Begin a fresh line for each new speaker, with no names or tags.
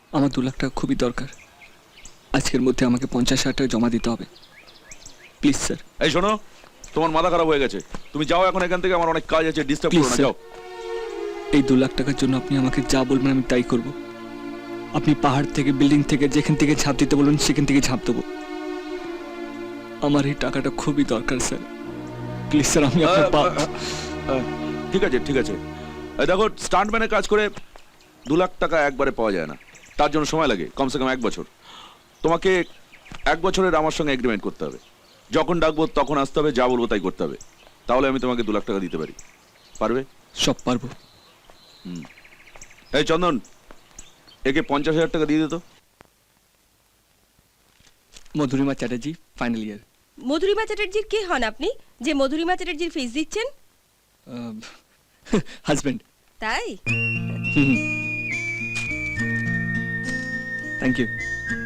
আমার 2 লাখ টাকা খুবই দরকার। আজকের মধ্যে আমাকে 50,000 টাকা জমা দিতে হবে, প্লিজ স্যার।
এই শোনো, তোমার মাথা খারাপ হয়ে গেছে, তুমি যাও এখন এখান থেকে, আমার অনেক কাজ আছে, ডিস্টার্ব
Please,
করো না,
sir.
যাও।
এই 2 লাখ টাকার জন্য আপনি আমাকে যা বলবেন আমি তাই করব। আপনি পাহাড় থেকে, বিল্ডিং থেকে, যেখান থেকে ঝাঁপ দিতে বলবেন সেখান থেকে ঝাঁপ দেবো। আমার এই টাকাটা খুবই দরকার স্যার, প্লিজ স্যার। আমি আপনার
ঠিক আছে ঠিক আছে। এই দেখো, স্টান্টম্যানের কাজ করে 2 লাখ টাকা একবারে পাওয়া যায় না, তার জন্য সময় লাগে কমসে কম 1 বছর। তোমাকে 1 বছরের আমার সঙ্গে এগ্রিমেন্ট করতে হবে, যখন ডাকবো তখন আসতে হবে, যা বলবো তাই করতে হবে, তাহলে আমি তোমাকে 2 লাখ টাকা দিতে পারি। পারবে?
সব পারবো।
এই চন্দন, একে 50,000 টাকা দিয়ে দিত।
Madhurima Chatterjee, final year.
মধুরিমা চ্যাটার্জির কে হন আপনি যে মধুরিমা চ্যাটার্জির ফিস দিচ্ছেন?
হাজব্যান্ড।
তাই?
Thank you.